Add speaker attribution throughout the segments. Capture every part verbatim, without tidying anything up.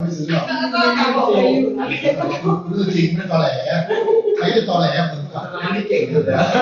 Speaker 1: ไม่ซื้อหรอก
Speaker 2: ก็ทำบอกอยู่นะ
Speaker 1: คือจริงไม่ตอแหลใครจะตอแหลมึงอ่ะ
Speaker 3: มันไม่เก่งเลยนะ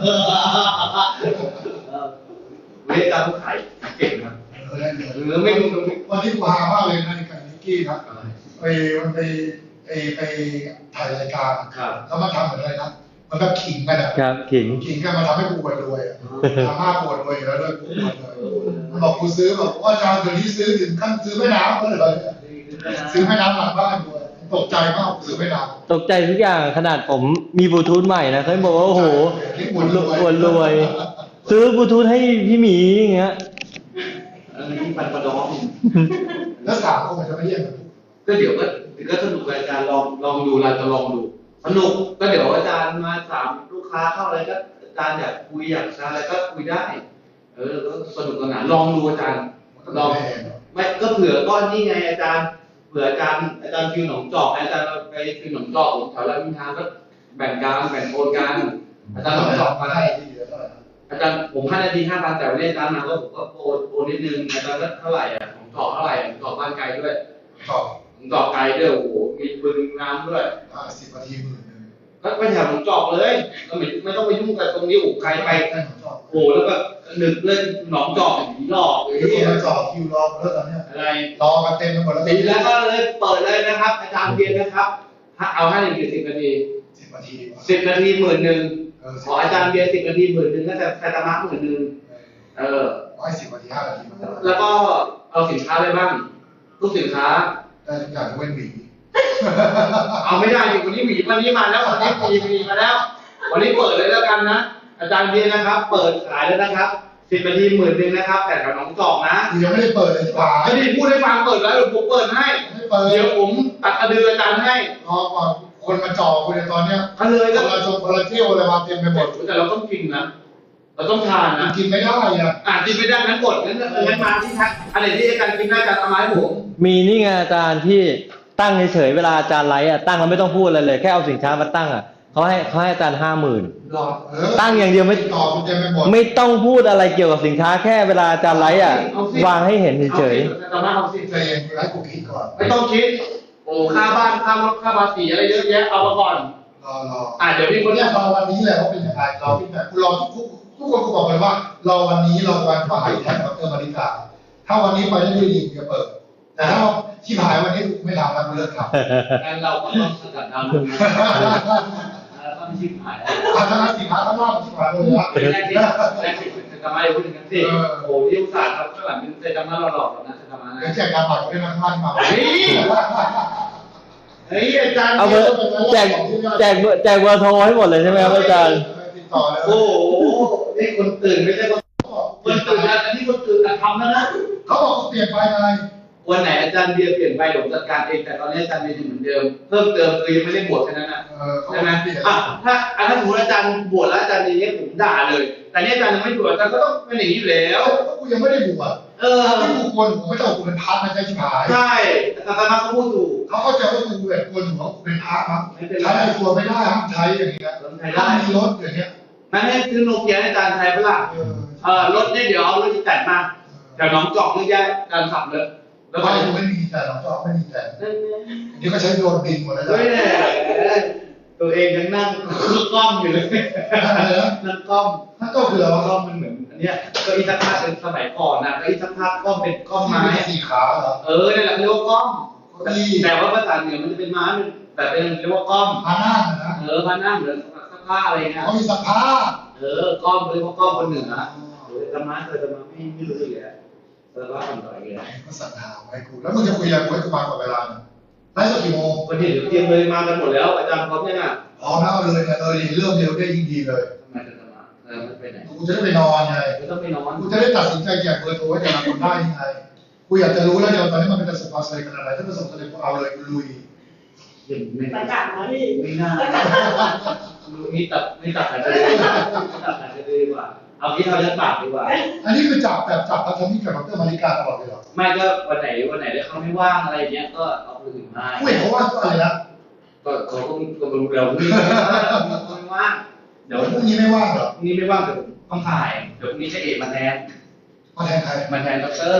Speaker 3: เวลาผู้ขายเก่งนะ
Speaker 1: เออได้เลย
Speaker 3: หรือไม่รู้
Speaker 1: วันที่กูหามากเลยนะในการนิกกี้นะไปมันไปไปไปถ่ายรายการแล้วมาทำเหมือนอะไรนะมันก็ขิงกันอ่ะ
Speaker 4: ครับขิง
Speaker 1: ขิงกันมาทำให้กูปวดรวยอ่ะทำให้ปวดรวยอยู่แล้วด้วยกูปวดเลยมันบอกกูซื้อแบบว่าอาจารย์เดี๋ยวนี้ซื้อถึงขั้นซื้อแม่น้ำก็เลยซื้อแม่น้ำหลังบ้านด้วยตกใจมากซื้อแม่น้ำ
Speaker 4: ตกใจทุกอย่างขนาดผมมีบลูทูธใหม่นะเขาบอกว่าโอ้โหอวดรวย ซื้อบลูทูธให้พี่หมีอย่างเงี้ย
Speaker 3: อันนี้ปันประดอง
Speaker 1: แล้วสามคนมันจะไม่เยี่ยมกัน
Speaker 3: ก็เดี๋ยวก็ก็สนุกอาจารย์ลองลองดูเราจะลองดูสนุกก็เดี๋ยวอาจารย์มาถามลูกค้าเข้าอะไรก็อาจารย์อยากคุยอยากอะไรก็คุยได้ เออก็สนุกสนานลองดูอาจารย์ลองไม่ก็เผื่อก้อนนี่ไงอาจารย์เผื่ออาจารย์อาจารย์ฟิวหนองจอกอาจารย์ไปฟิวหนองจอกแถวรามอินทราก็แบ่งการแบ่งโอนกันอาจารย์หนองจอกมาได้อาจารย์ผมห้านาทีห้าพันแต่วันนี้อาจารย์มาก็ผมก็โอนโอนนิดนึงอาจารย์ก็เท่าไหร่อ่ะหนองจอกเท่าไหร่หนองจอกบ้านไกลด้วย
Speaker 1: ตอบ
Speaker 3: หนองจอกไกลด้วยโอ้โหมีบึงน้ำด้วย
Speaker 1: อ่าสิบนาทีหมื่นหนึ่ง
Speaker 3: ก็ไปแถวหนองจอกเลยก็ไม่ไม่ต้องไปยุ่งกับตรงนี้โอ้ไกลไป
Speaker 1: ใช่ของจอบ
Speaker 3: โอ้แล้วก็นึกเล่นหนองจอกผีหลอกเลย
Speaker 1: ที่มาจอดคิวรอเลิกตอนเนี้ย
Speaker 3: อะไร
Speaker 1: รอกันเต็มไปหมดแล้ว
Speaker 3: ปีแล้วก็เลยเปิดเลยนะครับ อาจารย์เบียนนะครับเอาให้หนึ่งสิบนาที
Speaker 1: สิบนาทีดีกว่า
Speaker 3: สิบนาทีหมื่นหนึ่งขออาจารย์เบียนสิบนาทีหมื่นหนึ่งก็จะไซตามะหมื่นหนึ่งเออ
Speaker 1: ร้อยสิบนาทีห้านาทีมัน
Speaker 3: แล้วก็เอาสินค้าอะไรบ้างทุกสินค้า
Speaker 1: ได้ทุกอย่างยกเว้นหวี
Speaker 3: เอาไม่ได้ดิวันนี้หมีวันนี้มาแล้ววันนี้มีมีมาแล้ว วันนี้เปิดเลยแล้วกันนะอาจารย์เบียนนะครับ เปิดขายแล้วนะครับสิบนาทีหมื่นหนึ่งนะครับ แต่แถวหนองจอกนะ
Speaker 1: กูยังไม่ได้เปิดเลยป่า
Speaker 3: ไม่ได้พูดให้ฟังเปิดแล้วเดี๋ยวผมเปิดให้
Speaker 1: ไม่เปิด
Speaker 3: เดี๋ยวผมตัดกระดืออาจารย์ให้
Speaker 1: รอก่อนคนมาจอกูในตอนเนี้ย
Speaker 3: ก็เลย
Speaker 1: ค
Speaker 3: ก็
Speaker 1: นละชมคนละเที่ยวอะไรมาเต็มไปหมด
Speaker 3: แต่เราต้องกินนะเราต้องทานนะ
Speaker 1: กินไม่ได้อ่ะ
Speaker 3: อ่ะกินไม่ได้งั้นกดงั้นงั้นมาที่ทักอะไรที่อาจารย์กินได้อาจารย์เอามาให้ผม
Speaker 4: มีนี่ไงอาจารย์ที่ตั้งเฉยๆเวลาอาจารย์ไลฟ์อ่ะตั้งแล้วไม่ต้องพูดอะไรเลยแค่เอาสินค้ามาตั้งอ่ะเขาให้เขาให้อาจารย์ห้าหมื่น
Speaker 1: รอเออ
Speaker 4: ตั้งอย่างเดียวไม่
Speaker 1: ต่อกูเต็มไปหมด
Speaker 4: ไม่ต้องพูดอะไรเกี่ยวกับสินค้าแค่เวลาอาจารย์ไลฟ์อ่ะวางให้เห็นเฉย
Speaker 3: เอามาเอาสิ
Speaker 1: ใจเย็นกูให้กูคิดก่อน
Speaker 3: ไม่ต้องคิดโอ้ค่าบ้านค่ารถค่าภาษีอะไรเยอะแยะเอามาก่อน
Speaker 1: รอรอ
Speaker 3: อ่ะเดี๋ยวพี่
Speaker 1: ค
Speaker 3: คน น
Speaker 1: เนี้
Speaker 3: เนี้
Speaker 1: ย
Speaker 3: ย
Speaker 1: รอวันนี้แหละว่าเป็นยังไงรอพี่แบบกูรอทุกทุกทุกคนกูบอกเลยว่ารอวันนี้รอวันบ่ายแทนดรมาริกาถ้าวันนี้ไปได้ด้วยดีกูจะเปิด แต่ถ้าชิบหายวันนี้กูไม่ทำแล้วกูเลิกทำ
Speaker 3: งั้นเราก็ต้องสกัดดาวน์แล้วก็ไม่ชิบหาย
Speaker 1: อาคณะสินค้าข้างนอกชิบหายเลยนะ
Speaker 3: แรกที่แรกที่จะทำอะไรพูดถึงกันสิโอ้ที่อุตส่าห์ครับข้างหลังเป็นเซตามาหลอกๆนะเซตามา
Speaker 1: เดี๋ยวแจกการบัตรด้วยนะท่านมา
Speaker 3: เฮ้ยเฮ้ยอาจารย์
Speaker 4: ๆเอาเบอร์แจกแจกเบอร์แจกเบอร์โทรให้หมดเลยใช่ไหมครับอาจารย์
Speaker 1: ติดต่อเลย
Speaker 3: โอ้โหนี่คนตื่นไม่ใช่คนคนตื่นนะอันนี้คนตื่นทำแล้วนะ
Speaker 1: เขาบอกเขาเปลี่ยนไปไง
Speaker 3: วันไหนอาจารย์เบียร์เปลี่ยนไปผมจัดการเองแต่ตอนนี้อาจารย์เบียร์ยังเหมือนเดิมเพิ่มเติมคือยังไม่ได้บวชแค่นั้นนะ
Speaker 1: เออเขา
Speaker 3: ใช่ไหม
Speaker 1: เปลี่ยน
Speaker 3: อ่ะถ้าอ่ะถ้าสมมติอาจารย์บวชแล้วอาจารย์อย่างเงี้ยผมด่าเลย แต่เนี่ยอาจารย์ยังไม่บวชอาจารย์ก็ต้องเป็นอย่างนี้อยู่แล้ว
Speaker 1: แล้วกูยังไม่ได้บวช
Speaker 3: เออ
Speaker 1: ที่กูควรผมไม่ต้องกูเป็นพระนะใจชิบหาย
Speaker 3: ใช่อาจารย์มาเขาพูดถูก
Speaker 1: เขาเข้าใจว่ากูแบบควรของกูเป็นพระมั้ง
Speaker 3: ไม่เป็นไร
Speaker 1: ใช้ในตัวไม่ได้ห้ามใช้อย่างเงี้ย
Speaker 3: ใช้ได้
Speaker 1: ถ้ามีรถอย่างเงี้ย
Speaker 3: นั่นให้ซื้อโนเกียให้อาจารย์ใช้เปล่า
Speaker 1: เออ
Speaker 3: เออรถเนี่ยเดี๋ยวเอารถที่แต่งมาแถวหนองจอกนี่แยกการขับเลยแล้วก็
Speaker 1: บ้านกูไม่มีแต่หลังจอไม่มีแต่
Speaker 3: นั่นไง
Speaker 1: นี่ก็ใช้โดรนบินหมดแล้วจ้ะ
Speaker 3: เฮ้ยแหละตัวเองยังนั่งกล้อมอยู่เลย นั่งกล้อม
Speaker 1: นั่นก็คือเรา
Speaker 3: กล้อมมันเหมือนอันเนี้ยเก็อีสักผ้าเป็นสมัยก่อนนะเก็อีสักผ้ากล้อมเป็นกล้อมไม้
Speaker 1: สี่ขาเหรอ
Speaker 3: เออนี่นแหละเรียกว่ากล้อม
Speaker 1: ก็ดี
Speaker 3: แต่ว่าภาษาเหนือมันจะเป็นม้าแต่เป็นเรียกว่ากล้อม
Speaker 1: พานั่งนะ
Speaker 3: เออพานั่งเหมือนสักผ้าอะไรเงี้ย
Speaker 1: เขามีสภาพ
Speaker 3: เออกล้อมเรียกว่ากล้อมคนเหนือเออธรรมะเคยธรรมะไม่ไม่รู้เลยอะแต่ว่าทำต่อยเลย
Speaker 1: ก็สั่งหาไว้กูแล้วมึงจะคุยอะไรกูให้กูมาก่อนเวลาไลฟ์สดกี่โมง
Speaker 3: วันนี้เดี๋ยวเตรียมเลยมากันหมดแล้วอาจารย์พร้อมยังอ่ะ
Speaker 1: พร้อมแล้วเอาเลยเนี่ยเออเริ่มเร็วได้ยิ่งดีเลย
Speaker 3: ทำไมจะธรรมะเออมันไปไหน
Speaker 1: กูจะได้ไปนอนไง
Speaker 3: ไม่ต้องไปนอน
Speaker 1: กูจะได้ตัดสินใจแจกเบอร์โทรให้แต่ละคนได้ยังไงกูอยากจะรู้แล้วเดี๋ยวตอนนี้มันเป็นประสบความสำเร็จขนาดไหนถ้าประสบความสำเร็จกูเอาเลยกูลุย
Speaker 3: ยังไม่
Speaker 2: ประกาศนะพี่
Speaker 3: ไม่น่านี่ตัดนี่ตัดสายจะดีกว่าตัดสายจะดีกว่าเอาที่เราจะปากดีกว่า
Speaker 1: อันนี้คือจับแบบจับพัฒนิกกับดรมาริกาตลอดเลยเหรอ
Speaker 3: ไม่ก็วันไหนวันไหนเขาไม่ว่างอะไรอย่างเงี้ยก็เอาคนอื่นมา
Speaker 1: กูเห็นเขาว่าอะไรนะ
Speaker 3: ก็เขาก็ก็รู้แล้วนี่ไม่ว่างเดี๋ยว
Speaker 1: พรุ่งนี้ไม่ว่างเหรอ
Speaker 3: พรุ่งนี้ไม่ว่างเดี๋ยวต้องถ่ายเดี๋ยวพรุ่งนี้จะเอกมาแทน
Speaker 1: มาแทนใคร
Speaker 3: มาแทนด็อกเตอร์ก็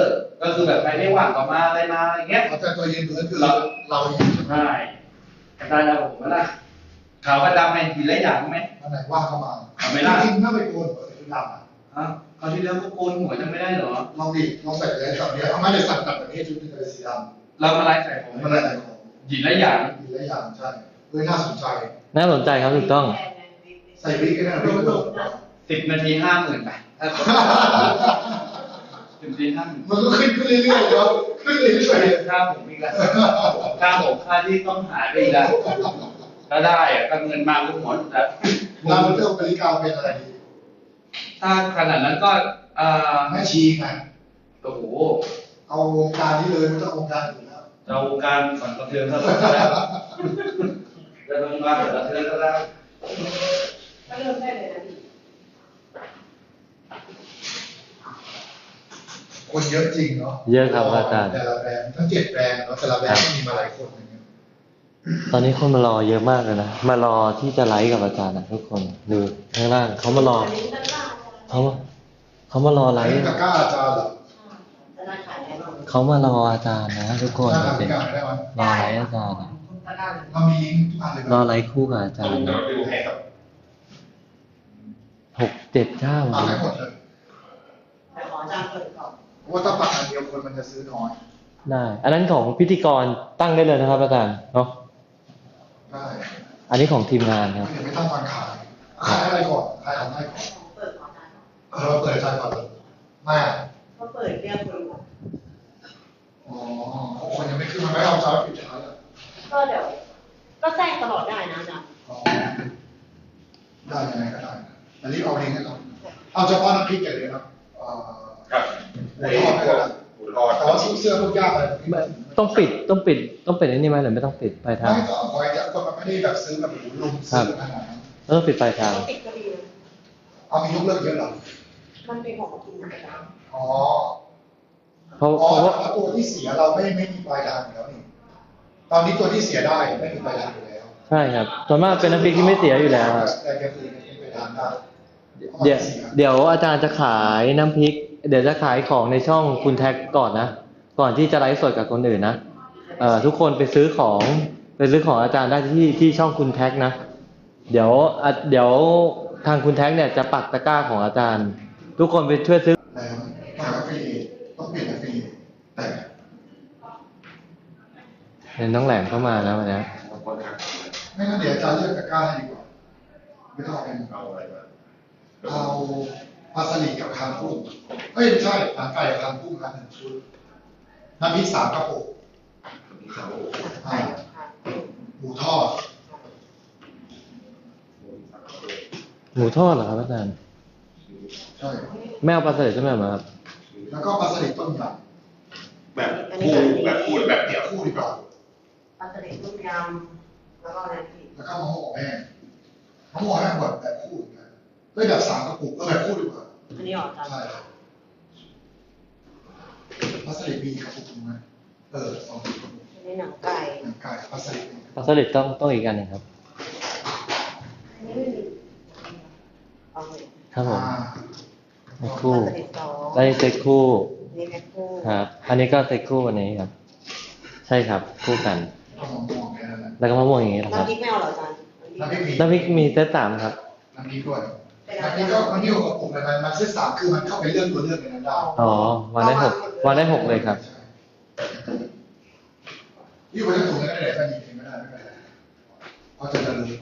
Speaker 3: ก็คือแบบใครไม่ว่างก็มาอะไรมาอะไรเงี้ย
Speaker 1: เอาแต่ตัวยืนถือคือเราเราเองใช่ไหม
Speaker 3: ใช่อาจารย์เอาผมมาละขาวกับดำไหมกินแล้วอย่างไหม
Speaker 1: วันไหนว่างเข้ามา
Speaker 3: เอาไม่ได้
Speaker 1: จริงๆถ้าไปโกนหัวใส่ชุดดำอะ
Speaker 3: ฮะคราวที่แล้วก็โกนหัวจำไม่ได้เหรอ
Speaker 1: ลองดิลองใส่เลยสับเดียวเอาไม่ได้สับตัดแบบนี้ชุดนึงเลยสีด
Speaker 3: เรามาไล่ใส่ผม
Speaker 1: ำมันอะไรของ
Speaker 3: หยินและอย่าง
Speaker 1: มีหลายอย่างใช่เฮ้ยน่าสนใจ
Speaker 4: น่าสนใจครับถูกต้อง
Speaker 1: ใส่วิกก็ได้ไม่ต้อง
Speaker 3: สิบนาทีห้าหมื่นไปถ้าสิบนาทีห้าหมื่น
Speaker 1: มันก็ขึ้นขึ้นเรื่อยๆเนาะขึ้นเรื่อย
Speaker 3: ค่าผมอีกแล้วค่าผมค่าที่ต้องหายไปอีกแล้วถ้าได้อะก็เงินมาก็หมดแล้ว
Speaker 1: ๆเราเลือกบริการเป็นอะไรดี
Speaker 3: ถ้าขนาดนั้นก็เอ่อ
Speaker 1: แม่ชีไง
Speaker 3: โอ้โห
Speaker 1: เอาวงการนี้เลยไม่ต้องวงการอื่นแล้ว
Speaker 3: เราการสั่นสะเทือนซะแล้วจะลงมาสั่นสะเทือนซะแล้ว
Speaker 2: ก็เริ่มได้เลยนะพี่
Speaker 1: คนเยอะจริงเนาะ
Speaker 4: เยอะครับอาจารย์
Speaker 1: แต่ละแบรนด์ทั้งเจ็ดแบรนด์เนาะแต่ละแบรนด์ก็มีมาหลายคนอย่างเงี้ย
Speaker 4: ตอนนี้คนมารอเยอะมากเลยนะ มารอที่จะไลฟ์กับอาจารย์นะทุกคนดูข้างล่างเขามารอเขามาเขามารอไล
Speaker 1: ไอ้
Speaker 4: ฟ์
Speaker 1: ตะกร้าอาจารย์เหรอ
Speaker 2: ธนาคารได้บ้าง
Speaker 4: เขามารออาจารย์นะทุกคน
Speaker 1: น่าทำ
Speaker 4: เป็น
Speaker 1: การได้ไหม
Speaker 4: รอไลฟ์อาจารย์นะ
Speaker 1: เรามีลิงก์ทุกอันเลย
Speaker 4: รอไลฟ์คู่กับอาจารย์นะหกเจ็ดเจ้า
Speaker 1: ปักให้หมดเลย
Speaker 2: แต่ขออาจารย์เปิดก่อน
Speaker 1: เพราะว่าถ้าปักอันเดียวคนมันจะซื้อน้อย
Speaker 4: ได้ อันนั้นของพิธีกรตั้งได้เลยนะครับอาจารย์เนาะ
Speaker 1: ได้
Speaker 4: อันนี้ของทีมงานครับ
Speaker 1: เดี๋ยวไม่ต้องวันขายขายอะไรก่อนขายของอะไรก่อน
Speaker 2: เปิดก่อนนะ
Speaker 1: เออเราเปิดใจก่อนเลยไม่
Speaker 2: ก็เปิดเรียกคนก่อน
Speaker 1: อ๋อคนยังไม่ขึ้นมาไม่เอาเช้าปิดเช้าเลย
Speaker 2: ก็เดี๋ยว ก็แจ้งตลอดได้นะอาจารย์
Speaker 1: อ๋อได้ยังไงก็ได้แต่รีบเอาลิงก์ให้เราเอาเฉพาะน้ำพริกอย่างเดียวนะเอ่อ
Speaker 5: ครับ
Speaker 1: หมูทอดไม่ได้
Speaker 5: หมูทอด
Speaker 1: แต่ว่าซื้อเสื้อพวกยากอะไร
Speaker 4: ต้องปิดต้องปิดต้องปิดอันนี้ไหมหรือไม่ต้องปิดปลายทาง
Speaker 1: ไม่ก็เอาไว้แต่คนมันไม่ได้แบบซื้อแบบหมูลุมซื้อขนาดนั้น
Speaker 4: ต้องปิดปลายทาง
Speaker 2: ก็ติดก็ดีนะ
Speaker 1: เอามียกเลิกเยอะเหรอ
Speaker 2: มันเป็นของกินนะจ๊ะ
Speaker 1: อ๋อ
Speaker 4: เพราะ
Speaker 1: อ๋อ
Speaker 4: เพราะว่า
Speaker 1: แล้วตัวที่เสียเราไม่ไม่มีปลายทางอยู่แล้วนี่ตอนนี้ตัวที่เสียได้ไม่มีปลายทางอยู่แล้ว
Speaker 4: ใช่ครับส่วนมากเป็นน้ำพริกที่ไม่เสียอยู่แล้วครับ
Speaker 1: แต่แกคือไม่ปลายทางได้
Speaker 4: เดี๋ยวเดี๋ยวอาจารย์จะขายน้ำพริก เดี๋ยวจะขายของในช่องคุณแท็กก่อนนะ ก่อนที่จะไลฟ์สดกับคนอื่นนะเอ่อทุกคนไปซื้อของไปซื้อของอาจารย์ได้ที่ที่ช่องคุณแท็กนะ เดี๋ยวอ่ะเดี๋ยวทางคุณแท็กเนี่ยจะปักตะกร้าของอาจารย์ ทุกคนไปช่วยซื้อ
Speaker 1: แล้วต้องแอฟฟิลิเอตต้องเปลี่ยนแอฟฟิลิเอตแต่
Speaker 4: เห็นน้องแหลมเข้ามาแล้ววันนี้
Speaker 1: ไม่งั้นเดี๋ยวอาจารย์เลือกตะกร้าให้ดีกว่าไม่ต้องเอาเป็น
Speaker 5: เอาอะไรมา
Speaker 1: เอาปลาสลิดกับคางกุ้งเอ้ยไม่ใช่หนังไก่กับคางกุ้งครับหนึ่งชุดน้ำพริกสามกระปุก
Speaker 5: เขา
Speaker 1: อ่าหมูทอด
Speaker 4: หมูทอดเหรอครับอาจารย์
Speaker 1: ใช่
Speaker 4: ไม่เอาปลาสลิดใช่ไหมครับ
Speaker 1: แล้วก็ปลาสลิดต้มย
Speaker 5: แบบคู่แบบคู่หรือแบบเดี่ยว
Speaker 1: ำคู่ดีกว่า
Speaker 2: ปลาสลิดต้มยำแล้วก็อะไรพี่
Speaker 1: แล้วก็มะม่วงแห้งมะม่วงแห้งแบบแบบคู่เหมือนกันเอ้ยแบบสามกระปุกก็แบบคู่ดีกว่า
Speaker 2: อันนี้ออกอาจารย์
Speaker 1: ใช่ครับปลาสลิดมีกระปุกหนึงไหมเออสองกระปุก
Speaker 2: อันนี้หนังไก่
Speaker 1: หนังไก่ปลาสลิด
Speaker 4: ปลาสลิดต้องต้องอีกอันหนึ่งครับ
Speaker 2: อันนี้ไม่มีเอาเลย
Speaker 4: ครับผม
Speaker 1: อ่า
Speaker 4: เซ็ตคู่
Speaker 2: ปลาสลิดสอง
Speaker 4: ได้เซ็ตคู่
Speaker 2: อันนี้แพ็คคู่
Speaker 4: ครับ อันนี้ก็เซ็ตคู่อันนี้ครับ ใช่ครับ คู่กัน
Speaker 1: ก็มะม่วงแค่นั้นแหละ
Speaker 4: แล้วก็มะม่วงอย่างนี้นะครับ
Speaker 2: น้ำพริกไม่เอาเหรออาจารย์
Speaker 1: น้ำพริกมี
Speaker 4: น้ำพริกมีเซตสามครับ
Speaker 1: น้ำพริกด้วยน้ำพริกก็มันที่หกกระปุกเลยมันมันเซตสามคือมันเข้าไปเลือกตัวเลือกในนั้นได้
Speaker 4: อ๋อวางได้หกวางได้หกเลยครับ
Speaker 1: ยี่ห้อจะถูกก็ได้แต่ถ้ามีเองไม่ได้ไม่เป็นไรเพราะจะจะรู้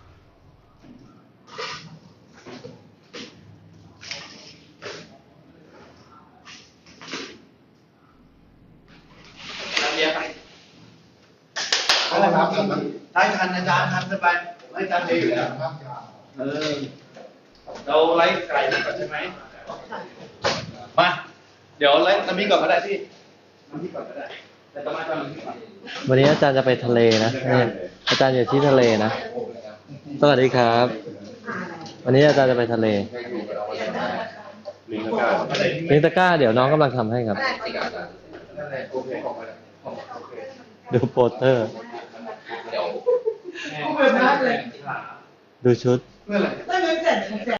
Speaker 3: น้ำเบียร์ไป
Speaker 1: เขาเอาน้ำทันไหม
Speaker 3: ได้ทันอาจารย์ทันสบายผมให้อาจารย์เดียวอยู่แล้ว
Speaker 1: น้ำยา
Speaker 3: เออเราไลฟ์ไก่นี่ก่อนใช่ไหมมา เดี๋ยวไลฟ์น้ำพริกก่อนก็ได้พี่น้ำพริกก่อนก็ได้ แต่ต้องมาตอนน้ำพริกก่อน
Speaker 4: วันนี้อาจารย์จะไปทะเลนะเนี่ยอาจารย์อยู่ที่ทะเลนะ สวัสดีครับ วันนี้อาจารย์จะไปทะเล
Speaker 5: ลิงก์การ
Speaker 4: ลิงตะกร้าเดี๋ยวน้องกำลังทำให้ครับ
Speaker 3: นั่นแหละโอเคของไปแล้วโอเค
Speaker 4: ดูโปสเตอร์
Speaker 3: เดี๋ยว
Speaker 2: เอาแบบนั้นเลย
Speaker 4: ดูชุด
Speaker 3: เพื่ออะไร
Speaker 2: ไม่เงินเสร็จ